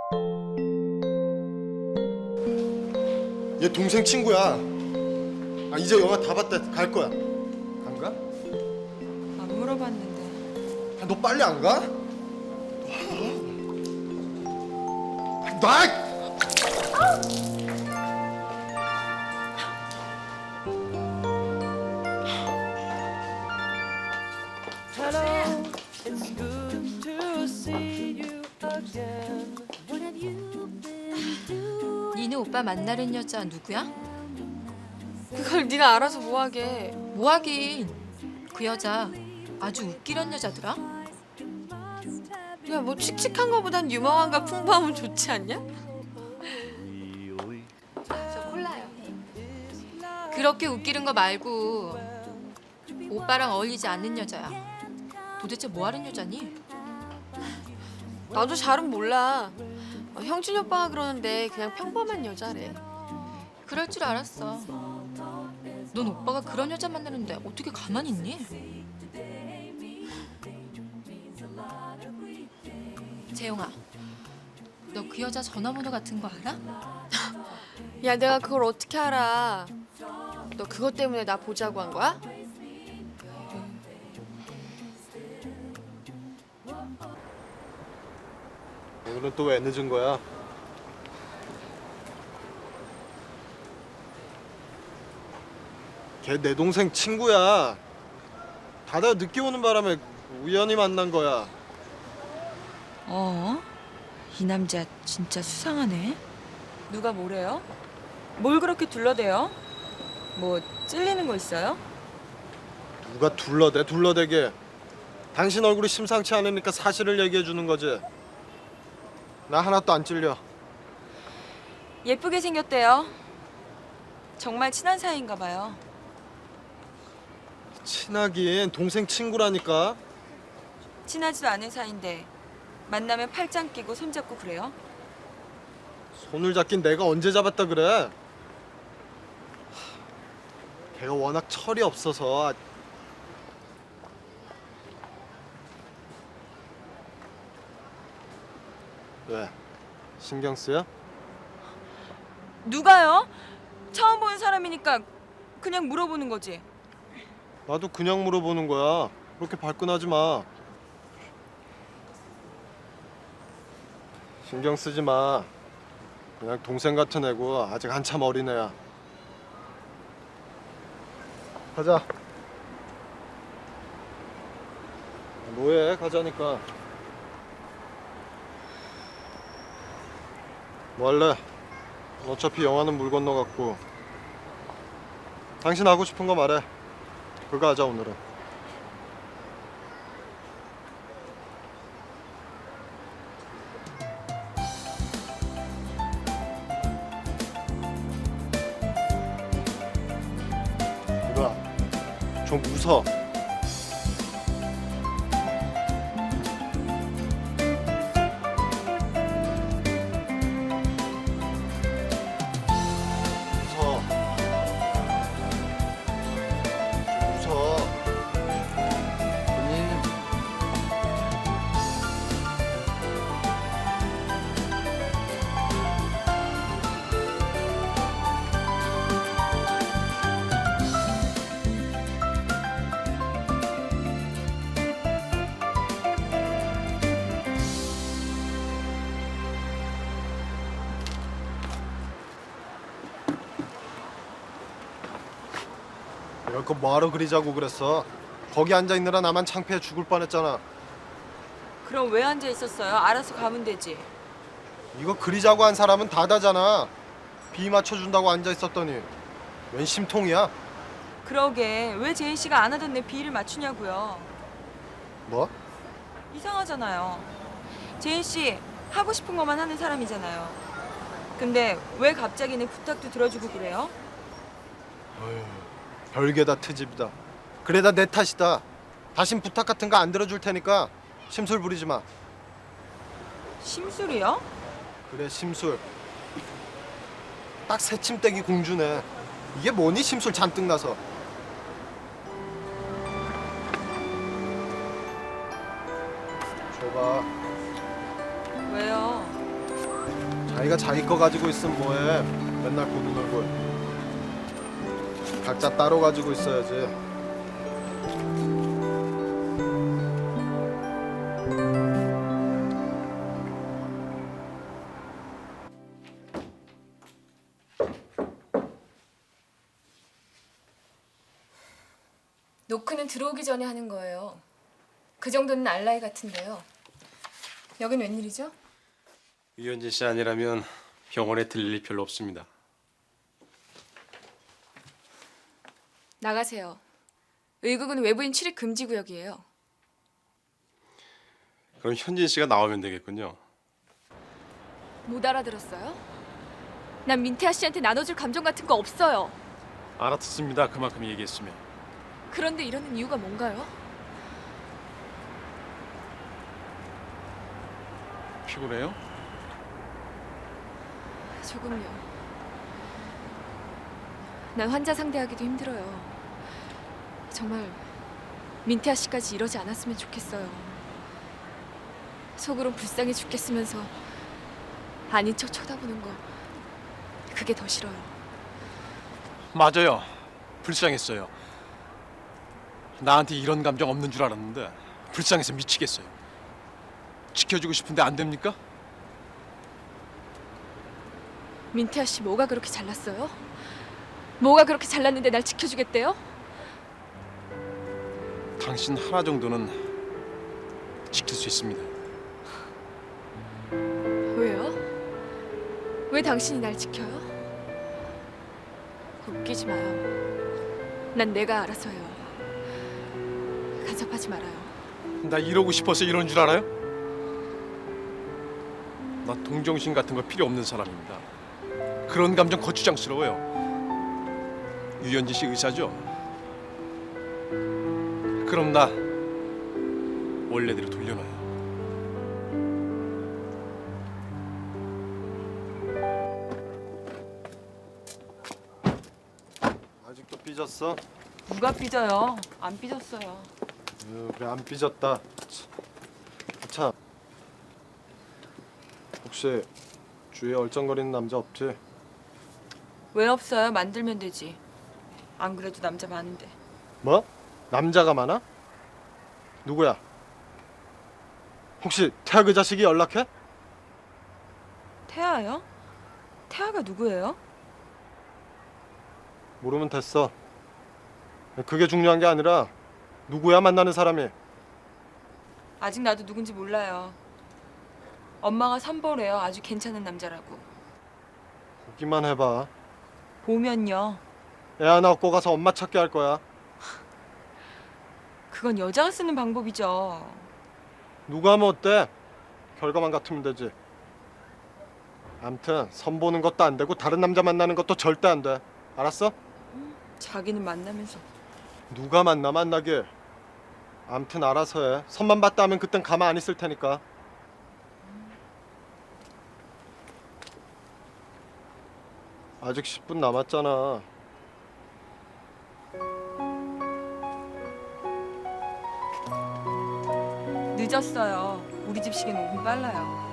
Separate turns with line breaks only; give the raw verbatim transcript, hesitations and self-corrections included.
얘 동생 친구야. 아 이제 영화 다 봤다. 갈 거야. 안 가?
안 물어봤는데.
아, 너 빨리 안 가? 아, 나!
Hello, it's good to see you again.
니네 오빠 만나는 여자 누구야?
그걸 네가 알아서 뭐하게.
뭐하긴. 그 여자 아주 웃기란 여자더라.
야, 뭐 칙칙한 거보단 유명한가 풍부하면 좋지 않냐?
저 콜라요. 그렇게 웃기는 거 말고 오빠랑 어울리지 않는 여자야. 도대체 뭐하는 여자니?
나도 잘은 몰라. 어, 형준이 오빠가 그러는데 그냥 평범한 여자래.
그럴 줄 알았어. 넌 오빠가 그런 여자 만나는데 어떻게 가만히 있니? 재용아, 너 그 여자 전화번호 같은 거 알아?
야, 내가 그걸 어떻게 알아? 너 그것 때문에 나 보자고 한 거야?
오늘은 또 왜 늦은 거야? 걔 내 동생 친구야. 다들 늦게 오는 바람에 우연히 만난 거야.
어? 이 남자 진짜 수상하네.
누가 뭐래요? 뭘 그렇게 둘러대요? 뭐 찔리는 거 있어요?
누가 둘러대 둘러대게. 당신 얼굴이 심상치 않으니까 사실을 얘기해 주는 거지. 나 하나도 안 찔려.
예쁘게 생겼대요. 정말 친한 사이인가 봐요.
친하긴 동생 친구라니까.
친하지도 않은 사이인데 만나면 팔짱 끼고 손잡고 그래요?
손을 잡긴 내가 언제 잡았다 그래? 하, 걔가 워낙 철이 없어서. 왜? 신경 쓰여?
누가요? 처음 보는 사람이니까 그냥 물어보는 거지.
나도 그냥 물어보는 거야. 그렇게 발끈하지 마. 신경 쓰지 마. 그냥 동생 같은 애고 아직 한참 어린 애야. 가자. 뭐해? 가자니까. 뭐 할래? 어차피 영화는 물 건너갔고. 당신 하고 싶은 거 말해. 그거 하자 오늘은. 이거야. 좀 웃어. 웃어. 웃어. 이럴 거 뭐하러 그리자고 그랬어? 거기 앉아 있느라 나만 창피해 죽을 뻔했잖아.
그럼 왜 앉아 있었어요? 알아서 가면 되지.
이거 그리자고 한 사람은 다다잖아. 비 맞춰준다고 앉아 있었더니 웬 심통이야?
그러게 왜 제인 씨가 안 하던 내 비위를 맞추냐고요.
뭐?
이상하잖아요. 제인 씨 하고 싶은 것만 하는 사람이잖아요. 근데 왜 갑자기 내 부탁도 들어주고 그래요?
어휴, 별게 다 트집이다. 그래다 내 탓이다. 다신 부탁 같은 거 안 들어줄 테니까 심술 부리지 마.
심술이요?
그래 심술. 딱 새침대기 공주네. 이게 뭐니 심술 잔뜩 나서. 줘봐.
왜요?
자기가 자기 거 가지고 있으면 뭐해? 맨날 고도 놀고. 각자 따로 가지고 있어야지.
노크는 들어오기 전에 하는 거예요. 그 정도는 알라이 같은데요. 여긴 웬일이죠?
유현진 씨 아니라면 병원에 들릴 일 별로 없습니다.
나가세요. 의국은 외부인 출입 금지 구역이에요.
그럼 현진 씨가 나오면 되겠군요.
못 알아들었어요? 난 민태아 씨한테 나눠줄 감정 같은 거 없어요.
알아듣습니다. 그만큼 얘기했으면.
그런데 이러는 이유가 뭔가요?
피곤해요?
조금요. 난 환자 상대하기도 힘들어요. 정말 민태아 씨까지 이러지 않았으면 좋겠어요. 속으론 불쌍해 죽겠으면서 아닌 척 쳐다보는 거 그게 더 싫어요.
맞아요. 불쌍했어요. 나한테 이런 감정 없는 줄 알았는데 불쌍해서 미치겠어요. 지켜주고 싶은데 안 됩니까?
민태아 씨 뭐가 그렇게 잘났어요? 뭐가 그렇게 잘났는데 날 지켜주겠대요?
당신 하나 정도는 지킬 수 있습니다.
왜요? 왜 당신이 날 지켜요? 웃기지 마요. 난 내가 알아서 해요. 간섭하지 말아요.
나 이러고 싶어서 이런 줄 알아요? 나 동정심 같은 거 필요 없는 사람입니다. 그런 감정 거추장스러워요. 유현진 씨 의사죠? 그럼 나 원래대로 돌려놔요.
아직도 삐졌어?
누가 삐져요? 안 삐졌어요.
으, 그래 안 삐졌다. 참. 혹시 주위에 얼쩡거리는 남자 없지?
왜 없어요? 만들면 되지. 안 그래도 남자 많은데.
뭐? 남자가 많아? 누구야? 혹시 태아 그 자식이 연락해?
태아요? 태아가 누구예요?
모르면 됐어. 그게 중요한 게 아니라 누구야 만나는 사람이.
아직 나도 누군지 몰라요. 엄마가 선보래요. 아주 괜찮은 남자라고.
보기만 해봐.
보면요.
애 하나 얻고 가서 엄마 찾게 할 거야.
그건 여자가 쓰는 방법이죠.
누가 하면 어때? 결과만 같으면 되지. 암튼 선 보는 것도 안 되고 다른 남자 만나는 것도 절대 안 돼. 알았어?
자기는 만나면서.
누가 만나 만나길. 암튼 알아서 해. 선만 봤다 하면 그땐 가만 안 있을 테니까. 아직 십 분 남았잖아.
늦었어요. 우리 집 시계는 오 분 빨라요.